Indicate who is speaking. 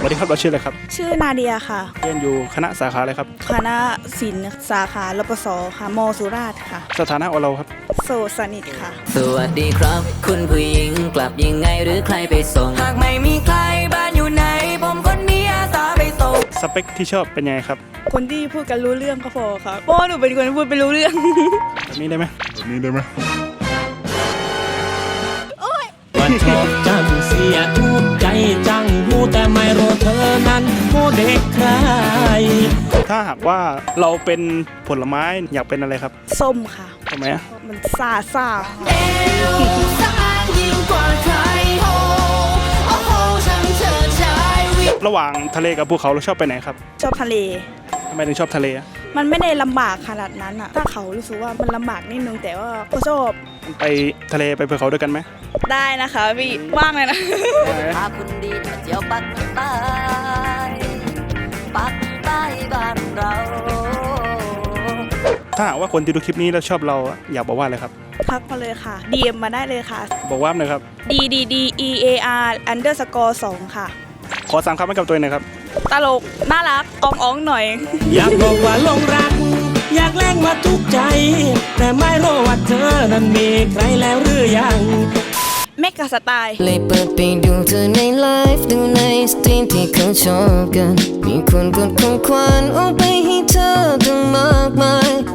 Speaker 1: วัสดีครับเราชื่ออะไรครับ
Speaker 2: ชื่อนาเดียค่ะ
Speaker 1: เรียนอยู่คณะสาขาอะไรครับ
Speaker 2: คณะศิลป์สาขารปศค่ะมสุราษฎร์ค่ะ
Speaker 1: สถานะของเราครับ
Speaker 2: โสดสนิทค่ะ
Speaker 3: สวัสดีครับคุณผู้หญิงกลับยังไงหรือใครไปส่งหากไม่มีใครบ้านอยู่ไหนผมคนนี้อาสาไปส่ง
Speaker 1: สเปคที่ชอบเป็นยังไงครับ
Speaker 2: คนที่พูดกันรู้เรื่องก็พอครับเพราะหนูเป็นคนพูดไปรู้เรื่อง
Speaker 1: แบบนี้ได้ไหม
Speaker 4: ว่าชอบจังเสียทุกใจจังหูแต่ไม่รู้เธอนั้นผู้เด็กใคร
Speaker 1: ถ้าหากว่าเราเป็นผลไม้อยากเป็นอะไรครับ
Speaker 2: ส้มค่ะ
Speaker 1: ทำไมอ่ะ
Speaker 2: มันซ่า
Speaker 1: ระหว่างทะเลกับภูเขาเราชอบไปไหนครับ
Speaker 2: ชอบทะเล
Speaker 1: ทำไมถึงชอบทะเลอ่ะ
Speaker 2: มันไม่ได้ลำบากขนาดนั้นอะถ้าเขารู้สึกว่ามันลำบากนิดนึงแต่ว่าก็ชอบ
Speaker 1: ไปทะเลไปภูเขาด้วยกันไหม
Speaker 2: ได้นะคะพี่ว่างเลยนะ
Speaker 3: พาคุณดีมาเที่ยวปักใต้ปักใต้บ้านเรา
Speaker 1: ถ้าหากว่าคนที่ดูคลิปนี้แล้วชอบเราอยากบอกว่าอะไรครับ
Speaker 2: ทักมาเลยค่ะ DM มาได้เลยค่ะ
Speaker 1: บอกว่าหน่อยครับ
Speaker 2: DDDEAR_2 ค่ะ
Speaker 1: ขอ3 คำให้กับตัวเองหน่อยครับ
Speaker 2: ตลกน่ารักอ่องหน่อย
Speaker 4: อยากบอกว่าลงรักอยากแล้งมาทุกใจแต่ไม่รู้ว่าเธอนั้นมีใครแล้วหรือยัง
Speaker 2: เมกะสไตล์
Speaker 3: เลยเปิดไปดูเธอในไลฟ์ดูในสตรีมที่เขาชอบกันมีคนกดของขวัญเอาไปให้เธอตั้งมากมาย